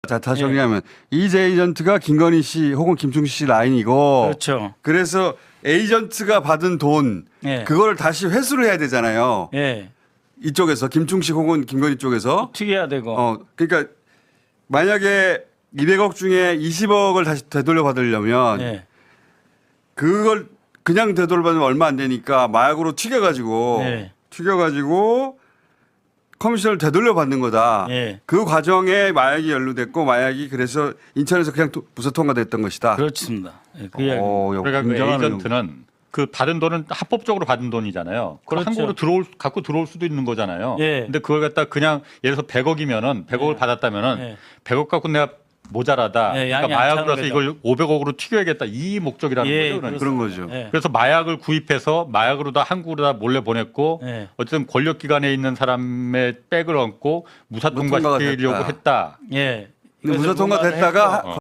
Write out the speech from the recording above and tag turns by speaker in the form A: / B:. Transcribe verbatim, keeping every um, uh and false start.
A: 자, 다시 정리하면 예. 이제 에이전트가 김건희 씨 혹은 김충식 씨 라인이고
B: 그렇죠.
A: 그래서 에이전트가 받은 돈
B: 예.
A: 그거를 다시 회수를 해야 되잖아요.
B: 예.
A: 이쪽에서 김충식 혹은 김건희 쪽에서
B: 튀겨야 되고.
A: 어 그러니까 만약에 이백억 중에 이십억을 다시 되돌려 받으려면
B: 예.
A: 그걸 그냥 되돌려 받으면 얼마 안 되니까 마약으로 튀겨가지고
B: 예.
A: 튀겨가지고 커미션을 되돌려 받는 거다.
B: 예.
A: 그 과정에 마약이 연루됐고 마약이 그래서 인천에서 그냥 무사 통과됐던 것이다.
B: 그렇습니다. 예, 그 이야기.
A: 어,
C: 그러니까 그
A: 굉장한
C: 에이전트는 그 받은 돈은 합법적으로 받은 돈이잖아요. 그걸
B: 그렇죠.
C: 한국으로 들어올 갖고 들어올 수도 있는 거잖아요.
B: 예.
C: 근데 그걸 갖다 그냥 예를 들어서 백억이면은 백억을
B: 예.
C: 받았다면은
B: 예.
C: 백억 갖고 내가 모자라다.
B: 예, 양이
C: 그러니까
B: 안
C: 마약으로
B: 차는
C: 해서
B: 거죠.
C: 이걸 오백억으로 튀겨야겠다. 이 목적이라는
B: 예,
C: 거죠. 그러니까.
A: 그런 거죠.
B: 예.
C: 그래서 마약을 구입해서 마약으로 다 한국으로 다 몰래 보냈고
B: 예.
C: 어쨌든 권력 기관에 있는 사람의 백을 얹고 무사
A: 무통과가
C: 통과시키려고
A: 됐다.
C: 했다.
B: 예.
A: 근데 무사
B: 그래서 뭔가를
A: 통과됐다가
B: 했고.